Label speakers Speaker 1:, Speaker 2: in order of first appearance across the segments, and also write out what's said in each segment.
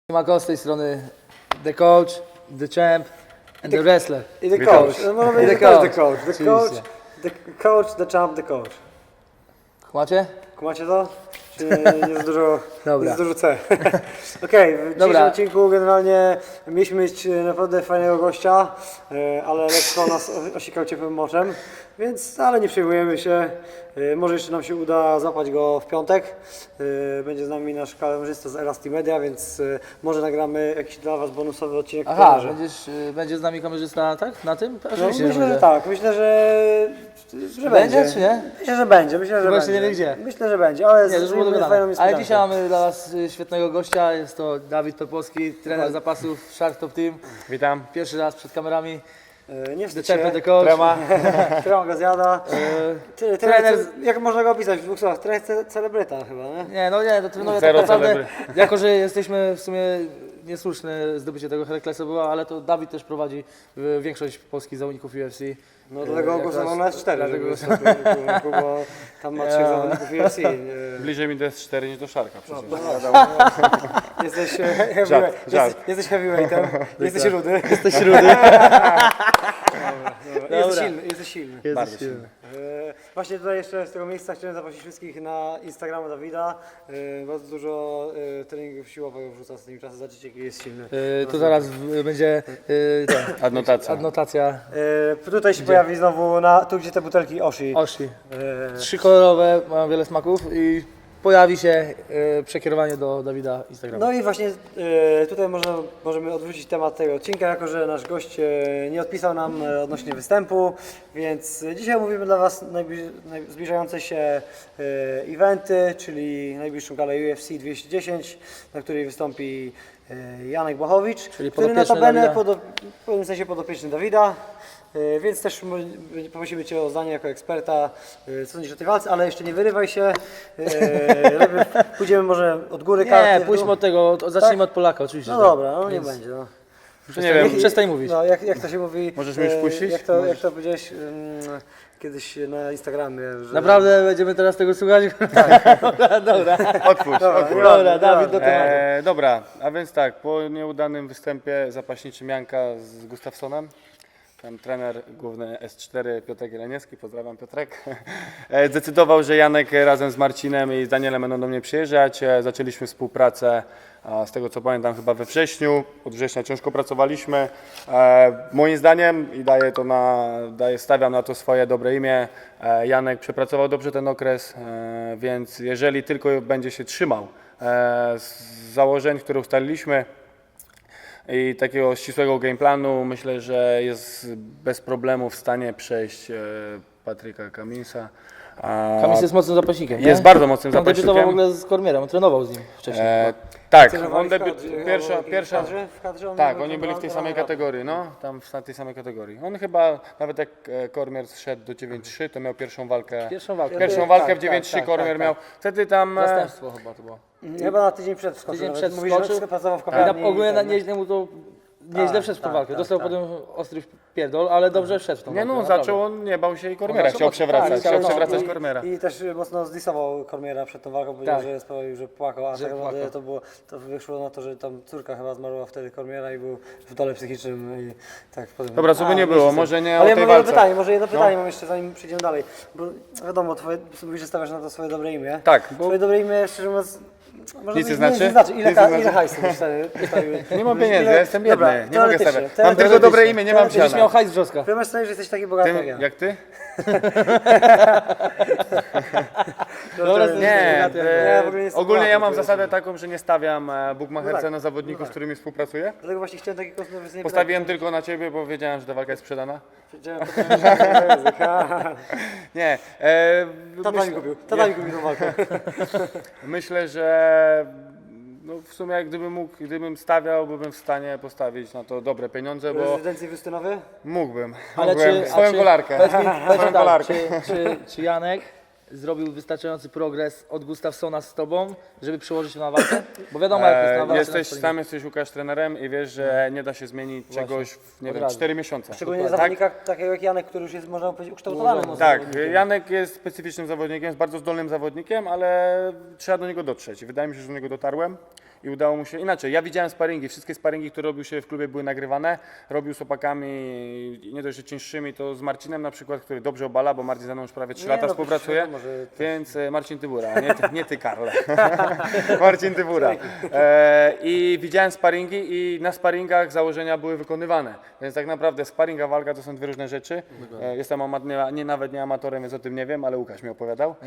Speaker 1: Siemanko, z tej strony The Coach, The Champ and The Wrestler.
Speaker 2: I The Coach. No, może być też The Coach. The Coach,
Speaker 1: Oczywiście.
Speaker 2: The Coach, The Champ, The Coach.
Speaker 1: Kumacie?
Speaker 2: Kumacie to? Czy jest dużo,
Speaker 1: Dobra.
Speaker 2: jest dużo C? Okej, w dzisiejszym odcinku generalnie mieliśmy mieć naprawdę fajnego gościa, ale lekko nas osikał ciepłym moczem, więc ale nie przejmujemy się. Może jeszcze nam się uda złapać go w piątek. Będzie z nami nasz kamerzysta z Elasty Media, więc może nagramy jakiś dla Was bonusowy odcinek.
Speaker 1: Aha, będzie z nami kamerzysta, tak? Na tym?
Speaker 2: No,
Speaker 1: Oczywiście,
Speaker 2: myślę, że
Speaker 1: będzie.
Speaker 2: tak. Myślę, że
Speaker 1: Będzie, czy nie?
Speaker 2: Myślę, że będzie. Myślę, że
Speaker 1: Tylko
Speaker 2: będzie.
Speaker 1: jeszcze nie wie gdzie.
Speaker 2: Myślę, że będzie, ale
Speaker 1: Nie, to już było
Speaker 2: zrobimy
Speaker 1: dogadane.
Speaker 2: fajną
Speaker 1: Ale
Speaker 2: niespodziankę.
Speaker 1: dzisiaj mamy dla Was świetnego gościa, jest to Dawid Topolski, trener zapasów Shark Top Team.
Speaker 3: Witam.
Speaker 1: Pierwszy raz przed kamerami.
Speaker 2: Nie
Speaker 1: The
Speaker 2: wstydź
Speaker 1: Champ
Speaker 2: się.
Speaker 1: and The Coach.
Speaker 3: Trema.
Speaker 2: Trema go zjada.
Speaker 1: trener-
Speaker 2: Jak można go opisać w dwóch słowach? Trener celebryta chyba, nie?
Speaker 1: Nie, to trenuję
Speaker 3: Zero
Speaker 1: tak naprawdę,
Speaker 3: celebry.
Speaker 1: jako że jesteśmy w sumie niesłuszne zdobycie tego Heraklesa było, ale to Dawid też prowadzi większość polskich zawodników UFC.
Speaker 2: No dlatego
Speaker 1: Jak
Speaker 2: głosował
Speaker 1: raz-
Speaker 2: na S4,
Speaker 1: dlatego-
Speaker 2: żeby bo tam ma 3 zawodników UFC.
Speaker 3: Bliżej mi do S4 niż do Szarka przecież.
Speaker 2: Jesteś
Speaker 3: Żart.
Speaker 2: jesteś heavyweightem, jesteś rudy.
Speaker 1: Jesteś rudy.
Speaker 2: Jesteś silny, jesteś silny.
Speaker 3: Bardzo silny.
Speaker 2: Właśnie tutaj jeszcze z tego miejsca chciałem zaprosić wszystkich na Instagrama Dawida. Bardzo dużo treningów siłowych wrzuca ostatnim czasem, zobaczycie jaki jest silny.
Speaker 1: Tu zaraz będzie
Speaker 3: Adnotacja.
Speaker 1: adnotacja
Speaker 2: Tutaj się pojawi znowu, tu gdzie te butelki Oshi.
Speaker 1: Oshi. 3 kolorowe, mają wiele smaków i pojawi się przekierowanie do Dawida Instagrama.
Speaker 2: No i właśnie tutaj możemy odwrócić temat tego odcinka, jako że nasz gość nie odpisał nam odnośnie występu, więc dzisiaj mówimy dla Was zbliżające się eventy, czyli najbliższą galę UFC 210, na której wystąpi Janek Błachowicz,
Speaker 1: Czyli
Speaker 2: który
Speaker 1: podopieczny
Speaker 2: notabene
Speaker 1: Dawida.
Speaker 2: w pewnym sensie podopieczny Dawida. Więc też poprosimy Cię o zdanie jako eksperta, co sądzisz o tej walce, ale jeszcze nie wyrywaj się. Pójdziemy może od góry karty.
Speaker 1: Nie, pójdźmy od tego, zacznijmy od Polaka oczywiście.
Speaker 2: No
Speaker 1: że tak.
Speaker 2: dobra, no nie będzie. No.
Speaker 3: Nie wiem,
Speaker 1: Przestań mówić.
Speaker 2: No, jak to się mówi?
Speaker 3: Możesz mnie już puścić?
Speaker 2: Jak to powiedziałeś kiedyś na Instagramie, że...
Speaker 1: Naprawdę będziemy teraz tego słuchać? Dobra.
Speaker 3: otwórz.
Speaker 1: Dobra, Dawid do tematu.
Speaker 3: Dobra, a więc tak, po nieudanym występie zapaśniczym Janka z Gustafsonem, tam trener główny S4 Piotrek Jeleniewski, pozdrawiam Piotrek, zdecydował, że Janek razem z Marcinem i z Danielem będą do mnie przyjeżdżać. Zaczęliśmy współpracę, z tego co pamiętam, chyba we wrześniu. Od września ciężko pracowaliśmy. Moim zdaniem, i stawiam na to swoje dobre imię, Janek przepracował dobrze ten okres, więc jeżeli tylko będzie się trzymał z założeń, które ustaliliśmy, i takiego ścisłego gameplanu, myślę, że jest bez problemu w stanie przejść Patryka Cummingsa.
Speaker 1: Kamis jest mocnym zapaśnikiem, nie?
Speaker 3: Jest bardzo mocnym
Speaker 1: On debiutował w
Speaker 3: zapaśnikiem.
Speaker 1: ogóle z Kormierem, on trenował z nim wcześniej.
Speaker 3: Tak,
Speaker 2: Trenowali
Speaker 3: on pierwsza.
Speaker 2: w kadrze
Speaker 3: Tak, oni byli w tej samej kategorii, no, tam w tej samej kategorii. On chyba, nawet jak Kormier zszedł do 9-3, to miał pierwszą walkę.
Speaker 1: Pierwszą walkę.
Speaker 3: Pierwszą walkę
Speaker 2: Tak,
Speaker 3: w 9-3
Speaker 2: tak,
Speaker 3: Kormier
Speaker 2: tak,
Speaker 3: miał. Wtedy tam.
Speaker 1: Zastępstwo chyba to było.
Speaker 2: Chyba na tydzień przed wskoczył.
Speaker 1: Tydzień
Speaker 2: nawet.
Speaker 1: przed
Speaker 2: Mówisz, że
Speaker 1: wskoczył.
Speaker 2: pracował w
Speaker 1: I
Speaker 2: kawiarni.
Speaker 1: ogólnie
Speaker 2: i tak,
Speaker 1: nieźle mu to nieźle wszedł w tą walkę. Dostał potem ostry pierdol, ale dobrze wszedł w tą
Speaker 3: Nie
Speaker 1: walkę.
Speaker 3: no,
Speaker 1: naprawdę.
Speaker 3: zaczął, on nie bał się i Kormiera,
Speaker 1: zaczął
Speaker 3: chciał
Speaker 1: mocno,
Speaker 3: przewracać,
Speaker 1: tak,
Speaker 3: chciał
Speaker 1: no,
Speaker 3: przewracać
Speaker 2: i-
Speaker 3: Kormiera.
Speaker 2: I też mocno zdisował Kormiera przed tą walką, powiedział,
Speaker 1: Tak.
Speaker 2: że sprawił, że płakał, a
Speaker 1: Że
Speaker 2: tak naprawdę
Speaker 1: płakał.
Speaker 2: to wyszło na to, że tam córka chyba zmarła wtedy Kormiera i był w dole psychicznym i tak potem...
Speaker 3: Dobra, co by nie było, może nie
Speaker 2: Ale
Speaker 3: o
Speaker 2: ja
Speaker 3: tej
Speaker 2: mam jedno
Speaker 3: walce.
Speaker 2: pytanie, może jedno pytanie mam jeszcze zanim przejdziemy dalej, bo wiadomo, mówisz, że stawiasz na to swoje dobre imię.
Speaker 3: Tak, bo
Speaker 2: Swoje dobre imię, szczerze mówiąc, może
Speaker 3: Nic nie
Speaker 2: być-
Speaker 3: znaczy?
Speaker 2: Ile,
Speaker 3: Nic nie znaczy?
Speaker 2: ile hajsu byś wstawił?
Speaker 3: nie mam pieniędzy, ja jestem
Speaker 2: Dobra,
Speaker 3: biedny, nie mogę
Speaker 2: teoretycznie,
Speaker 3: stawiać. Mam tylko dobre imię, nie mam
Speaker 1: Będziesz
Speaker 3: siana.
Speaker 1: miał hajs wrzoska.
Speaker 2: Wyobraź sobie, że jesteś taki bogaty jak
Speaker 3: Ty,
Speaker 2: ja.
Speaker 3: jak ty?
Speaker 1: Dobra,
Speaker 3: Nie,
Speaker 2: Ja w ogóle nie jestem
Speaker 3: ogólnie ja
Speaker 2: bogaty,
Speaker 3: mam
Speaker 2: to jest-
Speaker 3: zasadę taką, że nie stawiam bukmacherce
Speaker 2: No tak,
Speaker 3: na zawodników, z którymi współpracuję.
Speaker 2: Dlatego właśnie chciałem taki kontrowersyjny
Speaker 3: Postawiłem tylko na ciebie, bo wiedziałem, że ta walka jest sprzedana. Nie,
Speaker 2: Tata mi kupił tą walkę.
Speaker 3: myślę, że no w sumie gdybym stawiał, byłbym w stanie postawić na to dobre pieniądze, bo
Speaker 2: Rezydencji Justynowy?
Speaker 3: mógłbym.
Speaker 1: Ale czy,
Speaker 3: Swoją kolarkę.
Speaker 1: Powiedz mi tak,
Speaker 3: kolarkę.
Speaker 1: czy Janek zrobił wystarczający progres od Gustafsona z tobą, żeby przełożyć się na walkę? Bo wiadomo jak jest na walce.
Speaker 3: Sam jesteś Łukasz trenerem i wiesz, że nie da się zmienić czegoś w nie
Speaker 1: od
Speaker 3: wiem,
Speaker 1: razu.
Speaker 3: 4 miesiące.
Speaker 2: Szczególnie
Speaker 3: Tak?
Speaker 2: zawodnika takiego jak Janek, który już jest, można powiedzieć, ukształtowany. mocno
Speaker 3: Tak,
Speaker 2: zawodnikiem.
Speaker 3: Janek jest specyficznym zawodnikiem, jest bardzo zdolnym zawodnikiem, ale trzeba do niego dotrzeć. Wydaje mi się, że do niego dotarłem i udało mu się, inaczej, ja widziałem sparingi, wszystkie sparingi, które robił się w klubie były nagrywane, robił z chłopakami, nie dość, że cięższymi, to z Marcinem na przykład, który dobrze obala, bo Marcin ze mną już prawie 3 lata współpracuje,
Speaker 2: wiadomo, że też-
Speaker 3: więc Marcin Tybura, nie ty Karol, Marcin Tybura. I widziałem sparingi i na sparingach założenia były wykonywane, więc tak naprawdę sparing a walka to są dwie różne rzeczy. Jestem nawet nie amatorem, więc o tym nie wiem, ale Łukasz mi opowiadał.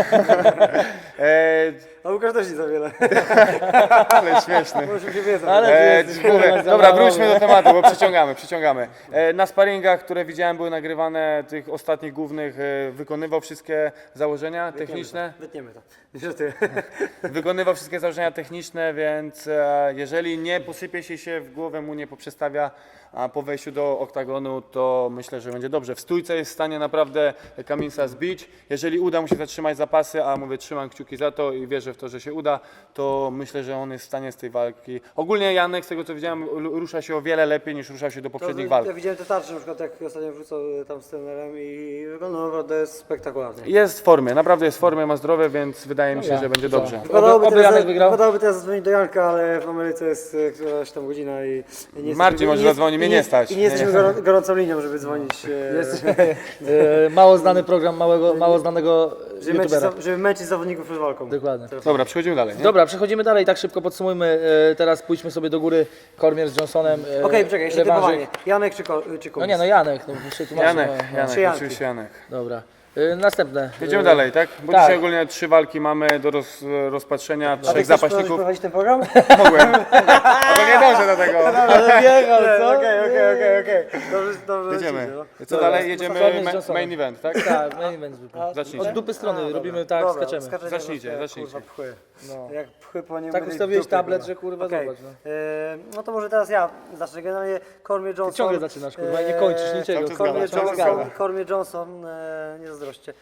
Speaker 2: A Łukasz też nie za wiele.
Speaker 3: Ale śmieszny.
Speaker 2: Może się wiedzą.
Speaker 1: Ale ty jesteś, kurwa,
Speaker 3: Dobra,
Speaker 1: zabawowy.
Speaker 3: wróćmy do tematu, bo przyciągamy. Na sparingach, które widziałem, były nagrywane, tych ostatnich głównych, wykonywał wszystkie założenia techniczne.
Speaker 2: Wytniemy to. Niestety.
Speaker 3: Wykonywał wszystkie założenia techniczne, więc jeżeli nie posypie się w głowę, mu nie poprzestawia po wejściu do oktagonu, to myślę, że będzie dobrze. W stójce jest w stanie naprawdę Kaminsa zbić. Jeżeli uda mu się zatrzymać zapasy, a mówię, trzymam kciuki za to i wierzę w to, że się uda, to myślę, że on jest w stanie z tej walki. Ogólnie Janek, z tego co widziałem, rusza się o wiele lepiej niż ruszał się do poprzednich walk.
Speaker 2: Ja widziałem te tarcze, na przykład jak ostatnio wrzucał tam z trenerem i wygląda naprawdę spektakularnie.
Speaker 3: Jest w formie, naprawdę jest w formie, ma zdrowie, więc wydaje mi się, że będzie dobrze.
Speaker 1: Oby Janek wygrał.
Speaker 2: Wypadałoby teraz zadzwonić do Janka, ale w Ameryce jest któraś tam godzina i nie
Speaker 3: Marcin może zadzwoni, mnie nie stać.
Speaker 2: I nie jesteśmy gorącą linią, żeby dzwonić.
Speaker 1: Jest mało znany program mało znanego youtubera.
Speaker 2: Żeby męczyć zawodników przed walką.
Speaker 1: Dokładnie.
Speaker 3: Dobra, przechodzimy dalej. Nie?
Speaker 1: Dobra, przechodzimy dalej, tak szybko podsumujmy. Teraz pójdźmy sobie do góry. Cormier z Johnsonem.
Speaker 2: Okej, czekaj, jeszcze
Speaker 1: rewanżyk.
Speaker 2: typowanie. Janek czy Kumis?
Speaker 1: No nie, no Janek. No, jeszcze tłumaczę,
Speaker 3: Janek,
Speaker 1: no.
Speaker 3: Janek,
Speaker 2: Trzy Janki.
Speaker 3: oczywiście Janek.
Speaker 1: Dobra. Następne.
Speaker 3: Jedziemy dalej, tak? Bo
Speaker 1: tak.
Speaker 3: dzisiaj ogólnie 3 walki mamy do rozpatrzenia, 3 zapaśników.
Speaker 2: prowadzić ten program?
Speaker 3: Mogłem. Ale nie dążę do tego.
Speaker 1: Ale biegał, co?
Speaker 2: Okej. Dobrze.
Speaker 3: Jedziemy.
Speaker 2: no.
Speaker 3: Co dalej? Jedziemy
Speaker 1: Cormier z Johnsonem.
Speaker 3: main event, tak?
Speaker 1: Tak, main event zwykle.
Speaker 3: Zacznijcie.
Speaker 1: Od dupy strony robimy tak,
Speaker 2: Dobra,
Speaker 1: skaczemy.
Speaker 2: skaczemy,
Speaker 3: Zacznijcie,
Speaker 2: jak,
Speaker 3: zacznijcie.
Speaker 2: Kurwa, pchły.
Speaker 1: No.
Speaker 2: Jak pchły po nim.
Speaker 1: Tak ustawiłeś tablet, że kurwa
Speaker 2: Okej.
Speaker 1: zobacz. No.
Speaker 2: No to może teraz ja zacznę. Generalnie Cormier Johnson.
Speaker 1: Ciągle zaczynasz, kurwa, i nie kończysz niczego.
Speaker 3: cały czas
Speaker 1: kurwa,
Speaker 3: zgadza.
Speaker 1: ciągle gada.
Speaker 2: Cormier Johnson, nie zazdroście.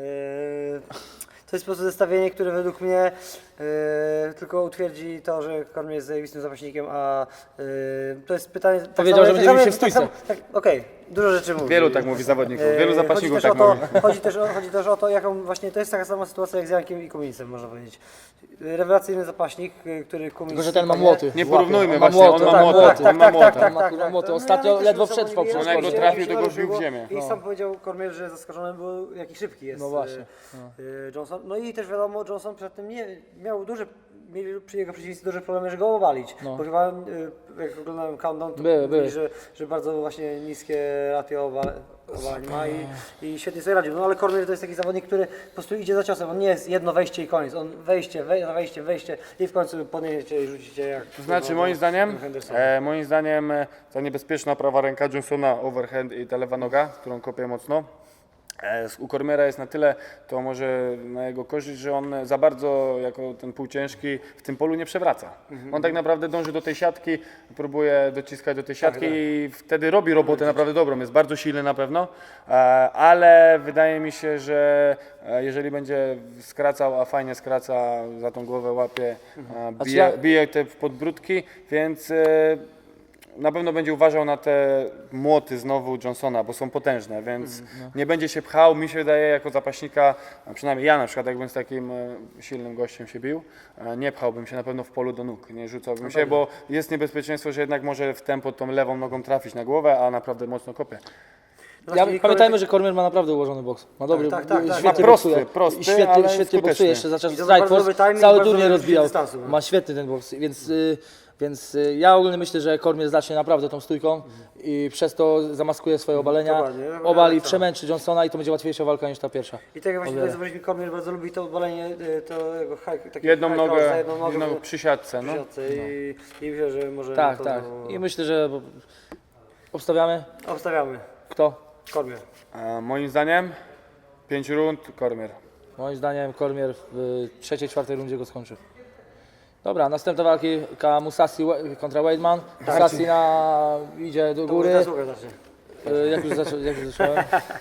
Speaker 2: To jest po prostu zestawienie, które według mnie tylko utwierdzi to, że Cormier jest zajebistym zapaśnikiem, a to jest pytanie...
Speaker 1: Powiedział, że będzie bił się w stójce.
Speaker 2: Okej, dużo rzeczy mówi.
Speaker 3: Wielu tak mówi zawodników, wielu
Speaker 2: Chodzi
Speaker 3: zapaśników
Speaker 2: też
Speaker 3: tak
Speaker 2: o to,
Speaker 3: mówi.
Speaker 2: chodzi też o to, jaką właśnie to jest taka sama sytuacja jak z Jankiem i Kuminsem, można powiedzieć. Rewelacyjny zapaśnik, który Kumis...
Speaker 1: Tylko, że ten ma młoty.
Speaker 3: Nie
Speaker 1: w łapie.
Speaker 3: porównujmy
Speaker 1: On ma
Speaker 3: właśnie,
Speaker 1: młoty,
Speaker 3: on ma
Speaker 1: tak,
Speaker 3: młotę,
Speaker 1: młoty.
Speaker 3: on ma młotę.
Speaker 1: tak, tak, kurwa, młoty. Ostatnio
Speaker 2: Janek też
Speaker 1: ledwo
Speaker 2: był
Speaker 1: wszedł w
Speaker 2: zawodnikiem,
Speaker 1: poprzez
Speaker 3: On jak go
Speaker 1: Cormier.
Speaker 3: trafił, to go wbił w ziemię.
Speaker 2: I sam powiedział Cormier, że zaskoczony był, jaki szybki jest
Speaker 1: No właśnie.
Speaker 2: Johnson. No i też wiadomo, Johnson przed tym mieli przy jego przeciwnicy duże problemy, żeby go obalić.
Speaker 1: No.
Speaker 2: Bo chyba, jak oglądałem countdown, to
Speaker 1: Były.
Speaker 2: mówili, że bardzo właśnie niskie ratio obalań ma i świetnie sobie radził. No ale Cormier to jest taki zawodnik, który po prostu idzie za ciosem. On nie jest jedno wejście i koniec. On wejście i w końcu podniesiecie i rzucicie jak...
Speaker 3: To znaczy moim zdaniem ta niebezpieczna prawa ręka Johnsona, overhand i ta lewa noga, którą kopie mocno. U Cormiera jest na tyle, to może na jego korzyść, że on za bardzo jako ten półciężki w tym polu nie przewraca. On tak naprawdę dąży do tej siatki, próbuje dociskać do tej siatki i wtedy robi robotę naprawdę dobrą. Jest bardzo silny na pewno, ale wydaje mi się, że jeżeli będzie skracał, a fajnie skraca, za tą głowę łapie, bije te podbródki, więc na pewno będzie uważał na te młoty znowu Johnsona, bo są potężne, więc nie będzie się pchał. Mi się wydaje jako zapaśnika, a przynajmniej ja na przykład jakbym z takim silnym gościem się bił, nie pchałbym się na pewno w polu do nóg, nie rzucałbym się, bo jest niebezpieczeństwo, że jednak może w tempo tą lewą nogą trafić na głowę, a naprawdę mocno kopie.
Speaker 1: Pamiętajmy, że Cormier ma naprawdę ułożony boks. Ma dobry,
Speaker 2: Tak.
Speaker 1: świetnie
Speaker 3: Ma prosty,
Speaker 1: boksuje.
Speaker 3: ale
Speaker 1: Świetnie
Speaker 3: skuteczny.
Speaker 1: boksuje, jeszcze za czas
Speaker 2: I to
Speaker 1: Strike
Speaker 2: bardzo dobry
Speaker 1: Force,
Speaker 2: timing,
Speaker 1: cały
Speaker 2: bardzo
Speaker 1: turniej
Speaker 2: dobry
Speaker 1: rozbijał.
Speaker 2: dystansu, no.
Speaker 1: Ma świetny ten boks, więc ja ogólnie myślę, że Cormier zacznie naprawdę tą stójką i przez to zamaskuje swoje obalenia,
Speaker 2: Dokładnie.
Speaker 1: obali,
Speaker 2: Tak.
Speaker 1: przemęczy Johnsona i to będzie łatwiejsza walka niż ta pierwsza.
Speaker 2: I tak jak właśnie tutaj zobaczyliśmy, Cormier bardzo lubi to obalenie, to jego takie
Speaker 3: Jedną
Speaker 2: high cross
Speaker 3: nogę,
Speaker 2: za jedną nogę
Speaker 3: przy siatce. No.
Speaker 2: i myślę, że może
Speaker 1: Tak,
Speaker 2: to
Speaker 1: tak. I myślę, że obstawiamy.
Speaker 2: obstawiamy.
Speaker 1: Kto?
Speaker 2: Cormier.
Speaker 3: Moim zdaniem 5 rund Cormier.
Speaker 1: Moim zdaniem Cormier w trzeciej, czwartej rundzie go skończy. Dobra, następna walki Musasi kontra Weidman. Musasi idzie do góry.
Speaker 2: Teraz Łukasz zacznie.
Speaker 1: Jak już zacząłem?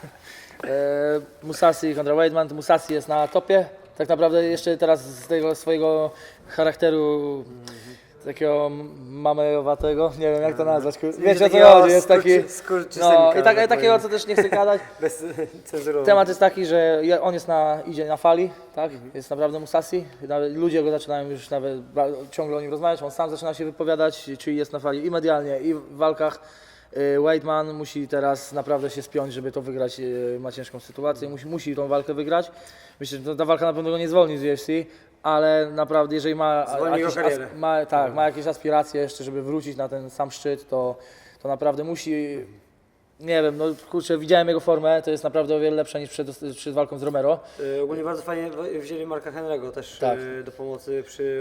Speaker 1: Musasi kontra Weidman. Musasi jest na topie. Tak naprawdę jeszcze teraz z tego swojego charakteru takiego mamejowatego, nie wiem jak to nazwać, wiecie o co
Speaker 2: takiego
Speaker 1: chodzi, jest taki, no i
Speaker 2: tak
Speaker 1: takiego co też nie chcę gadać.
Speaker 2: Bez cenzurowania.
Speaker 1: Temat jest taki, że on jest idzie na fali, tak? Jest naprawdę Musasi. Nawet ludzie go zaczynają już nawet ciągle o nim rozmawiać. On sam zaczyna się wypowiadać, czyli jest na fali i medialnie, i w walkach. Weidman musi teraz naprawdę się spiąć, żeby to wygrać. Ma ciężką sytuację, musi tą walkę wygrać. Myślę, że ta walka na pewno go nie zwolni z UFC, ale naprawdę jeżeli ma
Speaker 2: Zwolni jego karierę.
Speaker 1: ma jakieś aspiracje jeszcze, żeby wrócić na ten sam szczyt, to naprawdę musi. Nie wiem, no kurczę, widziałem jego formę, to jest naprawdę o wiele lepsza niż przed walką z Romero.
Speaker 2: Ogólnie bardzo fajnie wzięli Marka Henry'ego też
Speaker 1: Tak.
Speaker 2: do pomocy przy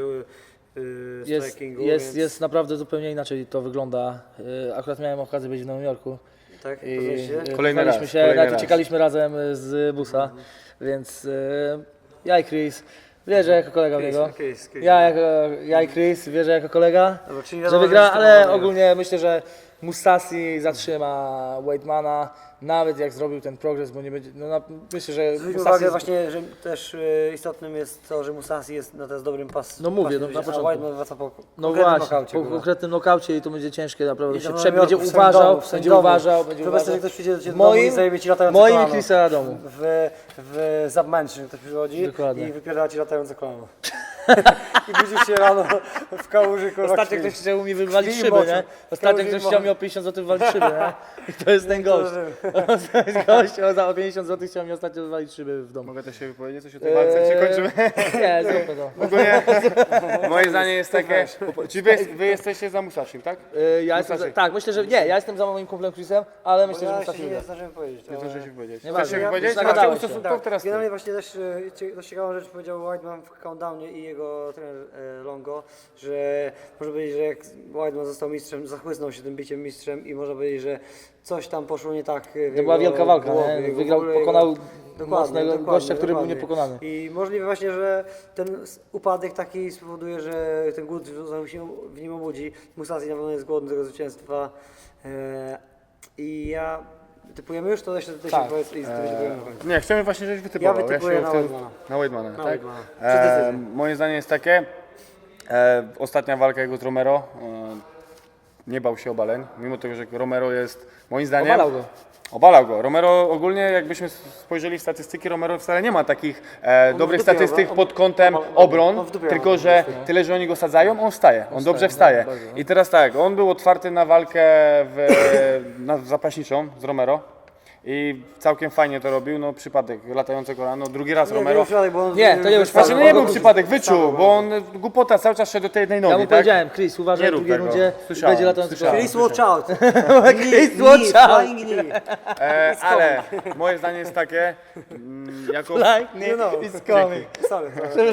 Speaker 1: Jest,
Speaker 2: strikingu.
Speaker 1: jest,
Speaker 2: więc,
Speaker 1: jest naprawdę zupełnie inaczej to wygląda. Akurat miałem okazję być w Nowym Jorku.
Speaker 2: Tak,
Speaker 1: I
Speaker 2: poznaliście?
Speaker 3: Kolejny raz,
Speaker 1: poznaliśmy się,
Speaker 3: kolejny
Speaker 1: nawet
Speaker 3: raz.
Speaker 1: uciekaliśmy razem z busa, więc ja i Chris, wierzę jako kolega w niego.
Speaker 2: Chris.
Speaker 1: Ja i Chris wierzę jako kolega,
Speaker 2: Dobra, czyli
Speaker 1: że
Speaker 2: wiadomo,
Speaker 1: wygra,
Speaker 2: że to
Speaker 1: ale
Speaker 2: wygra.
Speaker 1: ogólnie myślę, że Musasi zatrzyma Weidmana, nawet jak zrobił ten progres, bo nie będzie, myślę, że
Speaker 2: Zwróćmy
Speaker 1: Musasi
Speaker 2: uwagę właśnie, że też istotnym jest to, że Musasi jest na teraz dobrym
Speaker 1: No mówię, no, na
Speaker 2: a
Speaker 1: początku.
Speaker 2: Weidman wraca po
Speaker 1: no
Speaker 2: konkretnym
Speaker 1: właśnie,
Speaker 2: nokaucie,
Speaker 1: po
Speaker 2: kurwa.
Speaker 1: konkretnym nokaucie i to będzie ciężkie naprawdę,
Speaker 2: I
Speaker 1: się
Speaker 2: to w
Speaker 1: będzie
Speaker 2: Nowym Jorku, w swoim
Speaker 1: uważał,
Speaker 2: domu, w swoim
Speaker 1: będzie
Speaker 2: domu.
Speaker 1: uważał,
Speaker 2: Wyobraź sobie, że ktoś przyjdzie do ciebie do domu i zajebie ci latające
Speaker 1: moim
Speaker 2: kolano.
Speaker 1: i Chrisa domu.
Speaker 2: W Submansion ktoś przychodzi
Speaker 1: Dokładnie.
Speaker 2: i wypierdala ci latające kolano. I budzisz się rano w kałuży, kurwa.
Speaker 1: Ostatnio
Speaker 2: krwi.
Speaker 1: ktoś chciał mi wywalić
Speaker 2: Krwi i
Speaker 1: szyby,
Speaker 2: moczu.
Speaker 1: nie? Ostatnio
Speaker 2: Krwi i
Speaker 1: ktoś chciał
Speaker 2: moczu.
Speaker 1: mi o 50 zł wywalić szyby, nie? I to jest ten gość. To jest gość, on za 50 zł chciał mi ostatnio wywalić szyby w domu.
Speaker 3: Mogę też się wypowiedzieć coś o tej walce, czy kończymy?
Speaker 1: Nie, zróbmy to.
Speaker 3: Ogólnie moje zdanie jest takie, czy wy jesteście za Musashim, tak?
Speaker 1: Ja jestem
Speaker 3: Musashi.
Speaker 1: tak, myślę, że nie, ja jestem za moim kumplem Chrisem, ale myślę, że
Speaker 2: Ja
Speaker 1: Musashi
Speaker 2: się nie
Speaker 1: wygra.
Speaker 2: zdążyłem powiedzieć.
Speaker 3: Nie zdążę się powiedzieć.
Speaker 1: Nieważne.
Speaker 3: Chcesz się
Speaker 1: Ja-
Speaker 3: wypowiedzieć?
Speaker 1: już
Speaker 3: Macie
Speaker 1: nagadałeś się.
Speaker 3: ustosunków teraz ty.
Speaker 2: Generalnie właśnie też dość ciekawą rzecz powiedział Weidman w countdownie i jego trener Longo, że można powiedzieć, że jak Weidman został mistrzem, zachłysnął się tym biciem mistrzem i można powiedzieć, że coś tam poszło nie tak w
Speaker 1: To
Speaker 2: jego
Speaker 1: była wielka walka,
Speaker 2: głowie,
Speaker 1: nie?
Speaker 2: jego-
Speaker 1: Wygrał,
Speaker 2: w ogóle
Speaker 1: pokonał
Speaker 2: Dokładnie,
Speaker 1: mocnego
Speaker 2: dokładnie,
Speaker 1: gościa, który był
Speaker 2: dokładnie.
Speaker 1: niepokonany.
Speaker 2: I możliwe właśnie, że ten upadek taki spowoduje, że ten głód znowu się w nim obudzi. Musasi na pewno jest głodny tego zwycięstwa. I ja... Typujemy już? To jeszcze tutaj
Speaker 1: Tak.
Speaker 2: się powiedz i typujemy na końcu.
Speaker 3: Nie, chcemy właśnie, żebyś wytypował.
Speaker 2: Ja wytypuję
Speaker 3: się
Speaker 2: na
Speaker 3: w tym-
Speaker 2: Weidmana.
Speaker 3: Na Weidmana,
Speaker 2: Na
Speaker 3: tak?
Speaker 2: Weidmana. Przez decyzję.
Speaker 3: Moje zdanie jest takie, ostatnia walka jego z Romero, nie bał się obaleń, mimo tego, że Romero jest, moim zdaniem...
Speaker 1: Obalał go.
Speaker 3: Obalał go. Romero ogólnie, jakbyśmy spojrzeli w statystyki, Romero wcale nie ma takich dobrych
Speaker 2: w dupie
Speaker 3: statystyk
Speaker 2: on-
Speaker 3: pod kątem
Speaker 2: on
Speaker 3: obron,
Speaker 2: w dupie
Speaker 3: tylko
Speaker 2: ma,
Speaker 3: że tyle, że oni go sadzają, on wstaje, on dobrze wstaje.
Speaker 1: bardzo.
Speaker 3: I teraz tak, on był otwarty na walkę na zapaśniczą z Romero i całkiem fajnie to robił, no przypadek, latające kolano, drugi raz
Speaker 2: Nie,
Speaker 3: Romero.
Speaker 2: to nie przypadek, bo on
Speaker 1: Nie, to nie był
Speaker 3: Znaczy, no nie
Speaker 1: On
Speaker 3: był
Speaker 1: go
Speaker 3: przypadek, wyczuł, bo on głupota cały czas szedł do tej jednej nogi,
Speaker 1: Ja mu
Speaker 3: tak?
Speaker 1: powiedziałem, Chris, uważaj
Speaker 3: Nie
Speaker 1: w
Speaker 3: rób
Speaker 1: drugiej
Speaker 3: tego.
Speaker 1: rundzie,
Speaker 3: Słyszałem,
Speaker 1: będzie latający
Speaker 3: słyszałem.
Speaker 1: kolano.
Speaker 2: Chris, watch out!
Speaker 1: Chris, watch out!
Speaker 2: Flying knee!
Speaker 3: Ale moje zdanie jest takie, jako...
Speaker 2: You know.
Speaker 1: It's coming.
Speaker 2: Sorry.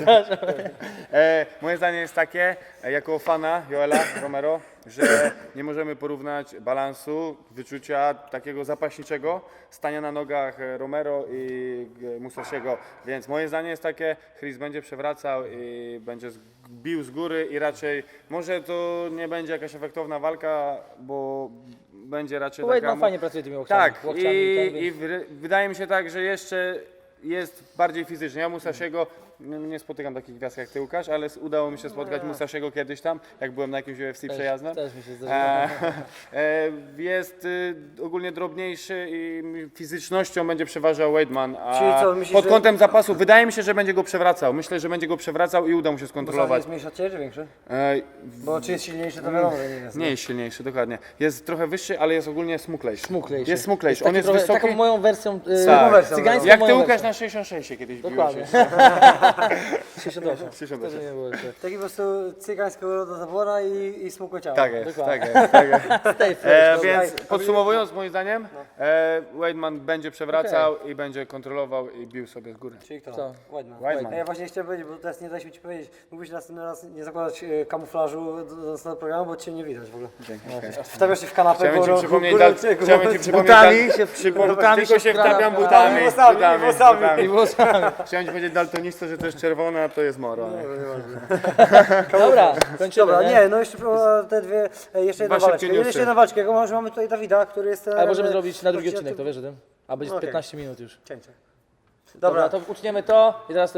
Speaker 3: Moje zdanie jest takie, jako fana Joela Romero, że nie możemy porównać balansu, wyczucia takiego zapaśniczego, stania na nogach Romero i Musashiego. Więc moje zdanie jest takie, Chris będzie przewracał i będzie bił z góry i raczej, może to nie będzie jakaś efektowna walka, bo będzie raczej taka...
Speaker 1: Weidman fajnie pracuje tymi łokciami.
Speaker 3: Tak,
Speaker 1: łokciami ten,
Speaker 3: i
Speaker 1: więc-
Speaker 3: wydaje mi się tak, że jeszcze jest bardziej fizycznie. Ja Musashiego nie spotykam takich gwiazd jak ty, Łukasz, ale udało mi się spotkać Musashiego kiedyś tam, jak byłem na jakimś UFC przejazdem.
Speaker 1: Też mi się zdarzyło.
Speaker 3: Jest ogólnie drobniejszy i fizycznością będzie przeważał Weidman,
Speaker 2: Czyli
Speaker 3: a
Speaker 2: co, myślisz,
Speaker 3: pod
Speaker 2: że-
Speaker 3: kątem zapasu wydaje mi się, że będzie go przewracał. Myślę, że będzie go przewracał i uda mu się
Speaker 2: Musasi
Speaker 3: skontrolować.
Speaker 2: jest mniejszy od ciebie, czy większy?
Speaker 3: E,
Speaker 2: Bo czy jest silniejszy, to wiadomo, że nie jest.
Speaker 3: nie jest silniejszy, dokładnie. Jest trochę wyższy, ale jest ogólnie smuklejszy.
Speaker 1: Smuklejszy.
Speaker 3: Jest smuklejszy.
Speaker 1: Taki
Speaker 3: On jest
Speaker 1: trochę,
Speaker 3: wysoki.
Speaker 1: Taką moją wersją,
Speaker 3: Tak.
Speaker 2: wersją,
Speaker 1: cygańską
Speaker 3: Jak ty,
Speaker 1: moją
Speaker 3: Łukasz,
Speaker 1: wersją.
Speaker 3: na 66 kiedyś biłeś
Speaker 1: Dokładnie.
Speaker 3: jeszcze.
Speaker 1: 68.
Speaker 3: 68.
Speaker 1: Też nie było jeszcze.
Speaker 2: Taki po prostu cygańskiego rodu zabora i smukłe ciało.
Speaker 3: Tak jest,
Speaker 1: Dokładnie.
Speaker 3: tak jest. Tak jest.
Speaker 1: Stay fresh. dobra.
Speaker 3: Więc podsumowując, moim zdaniem, Weidman będzie przewracał i będzie kontrolował i bił sobie z góry.
Speaker 2: Czyli kto?
Speaker 1: Co?
Speaker 2: Weidman.
Speaker 3: Weidman.
Speaker 2: A ja właśnie chciałem powiedzieć, bo teraz nie daliśmy ci powiedzieć, mógłbyś następny raz nie zakładać kamuflażu do następnego programu, bo cię nie widać w ogóle.
Speaker 3: Okay.
Speaker 2: Wstawiasz się w kanapę,
Speaker 3: Chciałem ci
Speaker 2: górą-
Speaker 3: przypomnieć,
Speaker 2: górą-
Speaker 3: chciałem ci przypomnieć,
Speaker 1: Butami się
Speaker 3: butami tylko się
Speaker 1: wkrada
Speaker 3: wtapiam
Speaker 1: w-
Speaker 3: butami.
Speaker 2: włosami,
Speaker 3: butami,
Speaker 2: włosami.
Speaker 3: butami.
Speaker 1: I włosami.
Speaker 3: Chciałem ci powiedzieć daltonista, że to jest czerwone, a to jest moro. Nie?
Speaker 1: Dobra, kończymy,
Speaker 2: Dobra,
Speaker 1: nie?
Speaker 2: nie, no jeszcze te dwie, jeszcze jedna
Speaker 3: Dwa
Speaker 2: waleczka.
Speaker 3: szybkie newsy.
Speaker 2: Jeszcze jedna waleczka, jak mamy tutaj Dawida, który jest...
Speaker 1: Ale możemy zrobić na drugi odcinek, to wiesz o tym? A będzie
Speaker 2: Okej.
Speaker 1: 15 minut już.
Speaker 2: Cięcie.
Speaker 1: Dobra, to uczniemy to i teraz to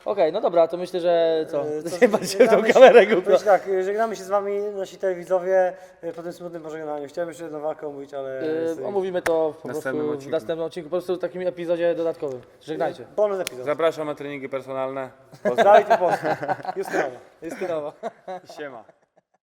Speaker 1: Okej, no dobra, to myślę, że co?
Speaker 2: Co,
Speaker 1: Nie patrzcie w tą
Speaker 2: żegnamy się-
Speaker 1: kamerę, głupio.
Speaker 2: Powiem tak, żegnamy się z wami, nasi telewidzowie, po tym smutnym pożegnaniu. Chciałem jeszcze jedną walkę omówić, ale...
Speaker 1: Omówimy to po
Speaker 3: Następnym
Speaker 1: prostu w
Speaker 3: odcinku.
Speaker 1: następnym odcinku, po prostu w takim epizodzie dodatkowym. Żegnajcie.
Speaker 2: Bonus epizod.
Speaker 3: Zapraszam na treningi personalne.
Speaker 2: Dawid i Polska. Justynowa.
Speaker 1: Justynowa.
Speaker 3: Siema.